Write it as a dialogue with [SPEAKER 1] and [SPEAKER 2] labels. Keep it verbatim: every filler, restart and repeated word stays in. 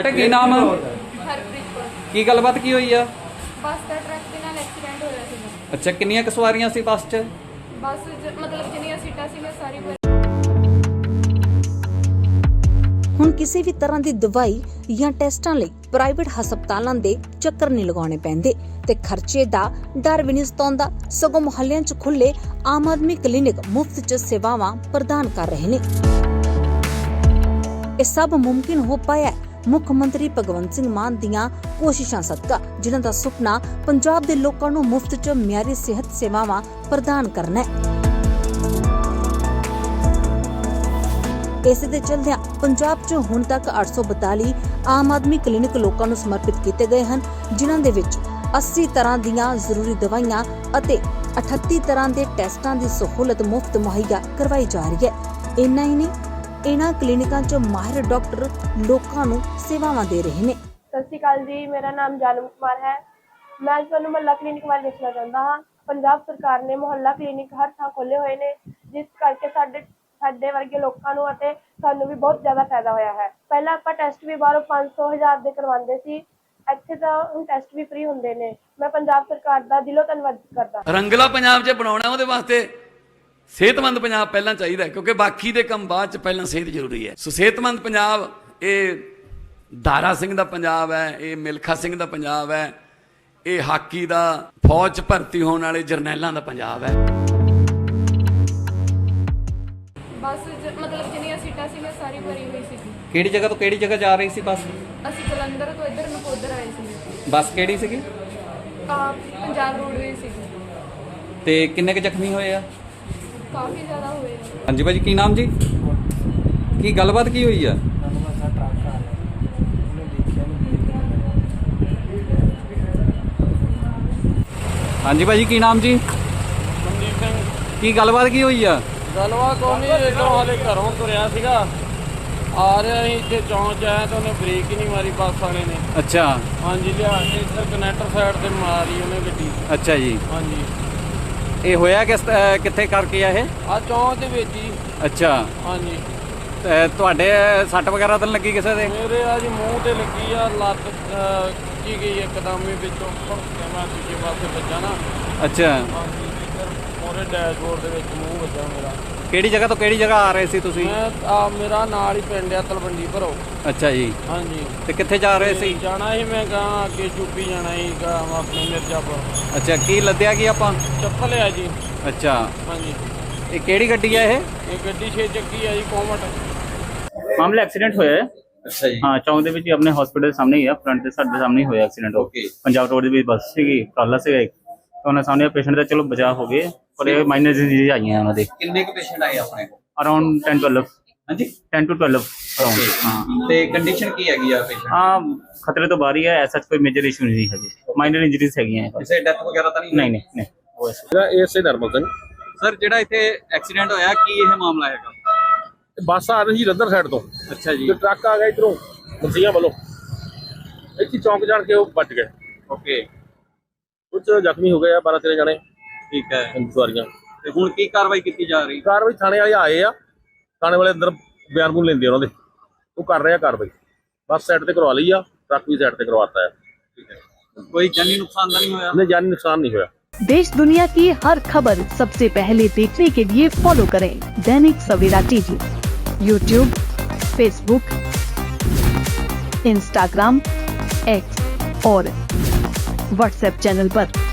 [SPEAKER 1] बेटे की नाम है?
[SPEAKER 2] हरप्रीत कौर।
[SPEAKER 1] की गलबात की हुई है?
[SPEAKER 2] बस का ट्रक के नाल एक्सीडेंट होया सीगा।
[SPEAKER 1] अच्छा, कितनियां क सवारियां सी बस च?
[SPEAKER 2] बस ज- मतलब जिन्नियां सीटां सीगियां सारी भरी।
[SPEAKER 3] ਹੁਣ ਕਿਸੇ ਵੀ ਤਰ੍ਹਾਂ ਦੀ ਦਵਾਈ ਜਾਂ ਟੈਸਟਾਂ ਲਈ ਪ੍ਰਾਈਵੇਟ ਹਸਪਤਾਲਾਂ ਦੇ ਚੱਕਰ ਨਹੀਂ ਲਗਾਉਣੇ ਪੈਂਦੇ ਤੇ ਖਰਚੇ ਦਾ ਡਰ ਵੀ ਨਹੀਂ ਸਤਾਉਂਦਾ। ਸਗੋਂ ਮੁਹੱਲਿਆਂ 'ਚ ਖੁੱਲੇ ਆਮ ਆਦਮੀ ਕਲੀਨਿਕ ਮੁਫਤ 'ਚ ਸੇਵਾਵਾਂ ਪ੍ਰਦਾਨ ਕਰ ਰਹੇ ਨੇ। ਇਹ ਸਭ ਮੁਮਕਿਨ ਹੋ ਪਾਇਆ ਮੁੱਖ ਮੰਤਰੀ ਭਗਵੰਤ ਸਿੰਘ ਮਾਨ ਦੀਆਂ ਕੋਸ਼ਿਸ਼ਾਂ ਸਦਕਾ, ਜਿਨ੍ਹਾਂ ਦਾ ਸੁਪਨਾ ਪੰਜਾਬ ਦੇ ਲੋਕਾਂ ਨੂੰ ਮੁਫਤ 'ਚ ਮਿਆਰੀ ਸਿਹਤ ਸੇਵਾਵਾਂ ਪ੍ਰਦਾਨ ਕਰਨਾ ਹੈ। ਇਸੇ ਦੇ ਚਲਦਿਆਂ ਪੰਜਾਬ 'ਚ ਹੁਣ ਤੱਕ ਅੱਠ ਸੌ ਬਤਾਲੀ ਆਮ ਆਦਮੀ ਕਲੀਨਿਕ ਲੋਕਾਂ ਨੂੰ ਸਮਰਪਿਤ ਕੀਤੇ ਗਏ ਹਨ, ਜਿਨ੍ਹਾਂ ਦੇ ਵਿੱਚ ਅੱਸੀ ਤਰ੍ਹਾਂ ਦੀਆਂ ਜ਼ਰੂਰੀ ਦਵਾਈਆਂ ਅਤੇ ਅਠੱਤੀ ਤਰ੍ਹਾਂ ਦੇ ਟੈਸਟਾਂ ਦੀ ਸਹੂਲਤ ਮੁਫਤ ਮੁਹੱਈਆ ਕਰਵਾਈ ਜਾ ਰਹੀ ਹੈ। ਇੰਨਾ ਹੀ ਨਹੀਂ, ਇਹਨਾਂ ਕਲੀਨਿਕਾਂ 'ਚ ਮਾਹਿਰ ਡਾਕਟਰ ਲੋਕਾਂ ਨੂੰ ਸੇਵਾਵਾਂ ਦੇ ਰਹੇ ਨੇ।
[SPEAKER 4] ਸਤਿ ਸ਼੍ਰੀ ਅਕਾਲ ਜੀ, ਮੇਰਾ ਨਾਮ ਜਾਨਮ ਕੁਮਾਰ ਹੈ। ਮੈਂ ਅੱਜ ਤੁਹਾਨੂੰ ਮੁਹੱਲਾ ਕਲੀਨਿਕ ਬਾਰੇ ਦੱਸਣਾ ਚਾਹੁੰਦਾ ਹਾਂ। ਪੰਜਾਬ ਸਰਕਾਰ ਨੇ ਮੁਹੱਲਾ ਕਲੀਨਿਕ ਹਰ ਥਾਂ ਖੋਲ੍ਹੇ ਹੋਏ ਨੇ, ਜਿਸ ਕਰਕੇ ਸਾਡੇ ਸਾਡੇ ਵਰਗੇ ਲੋਕਾਂ ਨੂੰ ਅਤੇ ਸਾਨੂੰ ਵੀ ਬਹੁਤ ਜ਼ਿਆਦਾ ਫਾਇਦਾ ਹੋਇਆ ਹੈ। ਪਹਿਲਾਂ ਆਪਾਂ ਟੈਸਟ ਵੀ ਬਾਹਰੋਂ ਪੰਜ ਸੌ ਹਜ਼ਾਰ ਦੇ ਕਰਵਾਉਂਦੇ ਸੀ, ਇੱਥੇ ਤਾਂ ਹੁਣ ਟੈਸਟ ਵੀ ਫ੍ਰੀ ਹੁੰਦੇ ਨੇ। ਮੈਂ ਪੰਜਾਬ ਸਰਕਾਰ ਦਾ ਦਿਲੋਂ ਧੰਨਵਾਦ ਕਰਦਾ।
[SPEAKER 5] ਰੰਗਲਾ ਪੰਜਾਬ 'ਚ ਬਣਾਉਣਾ, ਉਹਦੇ ਵਾਸਤੇ ਸਿਹਤਮੰਦ ਪੰਜਾਬ ਪਹਿਲਾਂ ਚਾਹੀਦਾ, ਕਿਉਂਕਿ ਬਾਕੀ ਦੇ ਕੰਮ ਬਾਅਦ 'ਚ, ਪਹਿਲਾਂ ਸਿਹਤ ਜ਼ਰੂਰੀ ਹੈ। ਸੋ ਸਿਹਤਮੰਦ ਪੰਜਾਬ ਇਹ ਦਾਰਾ ਸਿੰਘ ਦਾ ਪੰਜਾਬ ਹੈ, ਇਹ ਮਿਲਖਾ ਸਿੰਘ ਦਾ ਪੰਜਾਬ ਹੈ, ਇਹ ਹਾਕੀ ਦਾ ਫੌਜ 'ਚ ਭਰਤੀ ਹੋਣ ਵਾਲੇ ਜਰਨੈਲਾਂ ਦਾ ਪੰਜਾਬ ਹੈ।
[SPEAKER 2] बस ज- मतलब जिन्नियां सीटां सीगियां सारी भरी हुई सी।
[SPEAKER 1] ਕਿਹੜੀ ਜਗ੍ਹਾ ਤੋਂ ਕਿਹੜੀ ਜਗ੍ਹਾ ਜਾ ਰਹੀ ਸੀ ਬੱਸ?
[SPEAKER 2] ਅਸੀਂ ਜਲੰਧਰ ਤੋਂ ਇੱਧਰ ਨਕੋਦਰ ਆਏ ਸੀ।
[SPEAKER 1] ਬੱਸ ਕਿਹੜੀ ਸੀਗੀ
[SPEAKER 2] ਆ ਪੰਜਾਬ ਰੋਡਵੇਜ਼ ਸੀ।
[SPEAKER 1] ਤੇ ਕਿੰਨੇ ਕੁ ਜ਼ਖਮੀ ਹੋਏ ਆ?
[SPEAKER 2] ਕਾਫੀ ਜ਼ਿਆਦਾ ਹੋਏ ਆ।
[SPEAKER 1] ਹਾਂਜੀ ਭਾਜੀ, ਕੀ ਨਾਮ ਜੀ? ਕੀ ਗੱਲਬਾਤ ਕੀ ਹੋਈ ਆ? ਹਾਂਜੀ ਭਾਜੀ, ਕੀ ਨਾਮ ਜੀ?
[SPEAKER 6] ਮਨਦੀਪ ਸਿੰਘ।
[SPEAKER 1] ਕੀ ਗੱਲਬਾਤ ਕੀ ਹੋਈ ਆ?
[SPEAKER 6] ਗੱਲਬਾਤ ਕੋਈ ਨਹੀਂ, ਇੱਧਰੋਂ ਹਾਲੇ ਘਰੋਂ ਤੁਰਿਆ ਸੀਗਾ, ਆ ਰਿਹਾ ਸੀ, ਇੱਥੇ ਚੌਂਚ ਆਇਆ ਤਾਂ ਉਹਨੇ ਬ੍ਰੇਕ ਹੀ ਨਹੀਂ ਮਾਰੀ ਬੱਸ ਵਾਲੇ ਨੇ।
[SPEAKER 1] ਅੱਛਾ।
[SPEAKER 6] ਹਾਂਜੀ, ਲਿਆ ਕੇ ਇੱਧਰ ਕਨੈਕਟਰ ਸਾਈਡ ਤੇ ਮਾਰੀ ਉਹਨੇ ਗੱਡੀ।
[SPEAKER 1] ਅੱਛਾ ਜੀ।
[SPEAKER 6] ਹਾਂਜੀ,
[SPEAKER 1] ਇਹ ਹੋਇਆ ਕਿਸ ਅਹ ਕਿੱਥੇ ਕਰਕੇ ਆ ਇਹ?
[SPEAKER 6] ਆ ਚੌਂਚ ਦੇ ਵਿੱਚ ਹੀ।
[SPEAKER 1] ਅੱਛਾ।
[SPEAKER 6] ਹਾਂਜੀ,
[SPEAKER 1] ਤੇ ਤੁਹਾਡੇ ਸੱਟ ਵਗੈਰਾ ਤਾਂ ਨੀ ਲੱਗੀ ਕਿਸੇ ਦੇ?
[SPEAKER 6] ਮੇਰੇ ਆ ਜੀ ਮੂੰਹ ਤੇ ਲੱਗੀ ਆ, ਲੱਤ ਅਹ, ਖਿੱਚੀ ਗਈ ਇੱਕਦਮ ਹੀ ਵਿੱਚੋਂ, ਭੜਕਿਆ ਮੈਂ ਦੂਜੇ ਪਾਸੇ ਵੱਜਾ ਨਾ।
[SPEAKER 1] ਅੱਛਾ।
[SPEAKER 6] ਹਾਂਜੀ, ਇੱਧਰ ਮੋਰੇ ਡੈਸ਼ਬੋਰਡ ਦੇ ਵਿੱਚ ਮੂੰਹ ਵੱਜਾ ਮੇਰਾ।
[SPEAKER 1] ਕਿਹੜੀ ਜਗ੍ਹਾ ਤੋਂ ਕਿਹੜੀ ਜਗ੍ਹਾ ਆ ਰਹੇ ਸੀ ਤੁਸੀਂ?
[SPEAKER 6] ਮੈਂ ਆ ਮੇਰਾ ਨਾਲ ਹੀ ਪਿੰਡ ਆ ਤਲਵੰਡੀ ਭਰੋ।
[SPEAKER 1] ਅੱਛਾ ਜੀ।
[SPEAKER 6] ਹਾਂਜੀ,
[SPEAKER 1] ਤੇ ਕਿੱਥੇ ਜਾ ਰਹੇ ਸੀ?
[SPEAKER 6] ਜਾਣਾ ਸੀ ਮੈਂ ਗਾਂ ਅੱਗੇ ਯੂਪੀ ਜਾਣਾ ਸੀ ਗਾਂ ਆਪਣੇ ਮਿਰਜ਼ਾਪੁਰ।
[SPEAKER 1] ਅੱਛਾ, ਕੀ ਲੱਦਿਆ ਕੀ ਆਪਾਂ?
[SPEAKER 6] ਚੱਪਲ ਆ ਜੀ।
[SPEAKER 1] ਅੱਛਾ।
[SPEAKER 6] ਹਾਂਜੀ,
[SPEAKER 1] ਇਹ ਕਿਹੜੀ ਗੱਡੀ ਆ ਇਹ?
[SPEAKER 6] ਇਹ ਗੱਡੀ ਛੇ ਚੱਕੀ ਆ ਜੀ, ਕੋਮਟ।
[SPEAKER 7] ਮਾਮਲਾ ਐਕਸੀਡੈਂਟ ਹੋਇਆ ਹੈ।
[SPEAKER 1] ਅੱਛਾ ਜੀ।
[SPEAKER 7] ਹਾਂ, ਚੌਂਕ ਦੇ ਵਿੱਚ ਹੀ ਆਪਣੇ ਹਸਪੀਟਲ ਦੇ ਸਾਹਮਣੇ ਹੀ ਆ, ਫਰੰਟ ਦੇ ਸਾਡੇ ਸਾਹਮਣੇ ਹੀ ਹੋਇਆ ਐਕਸੀਡੈਂਟ।
[SPEAKER 1] ਓਕੇ।
[SPEAKER 7] ਪੰਜਾਬ ਰੋਡ ਦੇ ਵਿੱਚ ਬੱਸ ਸੀਗੀ, ਕਾਲਾ ਸੀਗਾ ਇੱਕ, ਤਾਂ ਉਹਨਾਂ ਸਾਹਮਣੇ ਪੇਸ਼ੈਂਟ ਦਾ ਚਲੋ ਬਚਾਅ ਹੋ ਗਏ, ਪਰ ਇਹ ਮਾਈਨਰ ਡਿਜ਼ੀਜ਼ ਆਈਆਂ ਉਹਨਾਂ ਦੇ।
[SPEAKER 1] ਕਿੰਨੇ ਕੁ ਪੇਸ਼ੈਂਟ ਆਏ ਆਪਣੇ ਕੋਲ?
[SPEAKER 7] Around ten twelve.
[SPEAKER 1] ਹਾਂਜੀ,
[SPEAKER 7] ਟੈਨ ਟੂ ਟਵੈਲਵ ਅਰਾਊਂਡ। ਹਾਂ,
[SPEAKER 1] ਤੇ ਕੰਡੀਸ਼ਨ ਕੀ ਹੈਗੀ ਆ ਪੇਸ਼ੈਂਟ?
[SPEAKER 7] ਹਾਂ, ਖਤਰੇ ਤੋਂ ਬਾਹਰ ਹੀ ਹੈ, ਐਸਾ ਕੋਈ ਮੇਜਰ ਇਸ਼ੂ ਨਹੀਂ ਹੈਗੇ, ਮਾਈਨਰ ਇੰਜਰੀਜ਼ ਹੈਗੀਆਂ।
[SPEAKER 1] ਕਿਸੇ ਡੈਥ ਵਗੈਰਾ ਤਾਂ ਨਹੀਂ?
[SPEAKER 7] ਨਹੀਂ ਨਹੀਂ ਨਹੀਂ।
[SPEAKER 8] ਮੇਰਾ ਏਐਸਏ ਨਰਮਲ ਸਿੰਘ।
[SPEAKER 1] ਸਰ, ਜਿਹੜਾ ਇੱਥੇ ਐਕਸੀਡੈਂਟ ਹੋਇਆ, ਕੀ ਇਹ ਮਾਮਲਾ ਹੈਗਾ?
[SPEAKER 8] ਬੱਸ ਆ ਰਹੀ ਰੰਦਰ ਸਾਈਡ ਤੋਂ,
[SPEAKER 1] ਅੱਛਾ ਜੀ।
[SPEAKER 8] ਤੇ ਟਰੱਕ ਆ ਗਿਆ ਇਧਰੋਂ ਮਸੀਆਂ ਵੱਲੋਂ, ਇੱਥੇ ਚੌਂਕ ਜਾਣ ਕੇ ਉਹ ਵੱਜ ਗਏ।
[SPEAKER 1] ਓਕੇ।
[SPEAKER 8] ਕੁਝ ਜ਼ਖਮੀ ਹੋ ਗਏ ਆ, ਬਾਰਾਂ ਤੇਰਾਂ ਜਣੇ
[SPEAKER 1] ਠੀਕ ਹੈ।
[SPEAKER 8] ਸਵਾਰੀਆਂ।
[SPEAKER 1] ਤੇ ਹੁਣ ਕੀ ਕਾਰਵਾਈ ਕੀਤੀ ਜਾ ਰਹੀ?
[SPEAKER 8] ਕਾਰਵਾਈ ਥਾਣੇ ਵਾਲੇ ਆਏ ਆ, ਥਾਣੇ ਵਾਲੇ ਅੰਦਰ ਬਿਆਨ ਬੂਨ ਲੈਂਦੇ ਉਹਨਾਂ ਦੇ, ਉਹ ਕਰ ਰਹੇ ਆ ਕਾਰਵਾਈ। ਬੱਸ ਸਾਈਡ ਤੇ ਕਰਵਾ ਲਈ ਆ, ਟਰੱਕ ਵੀ ਸਾਈਡ ਤੇ ਕਰਵਾਤਾ ਹੈ।
[SPEAKER 1] ਠੀਕ ਹੈ। ਕੋਈ ਜਾਨੀ ਨੁਕਸਾਨ ਤਾਂ ਨਹੀਂ ਹੋਇਆ?
[SPEAKER 8] नहीं, जानी नुकसान नहीं हुआ।
[SPEAKER 9] देश दुनिया की हर खबर सबसे पहले देखने के लिए फॉलो करें Dainik Savera TV, YouTube, Facebook, Instagram, X और व्हाट्सएप चैनल पर।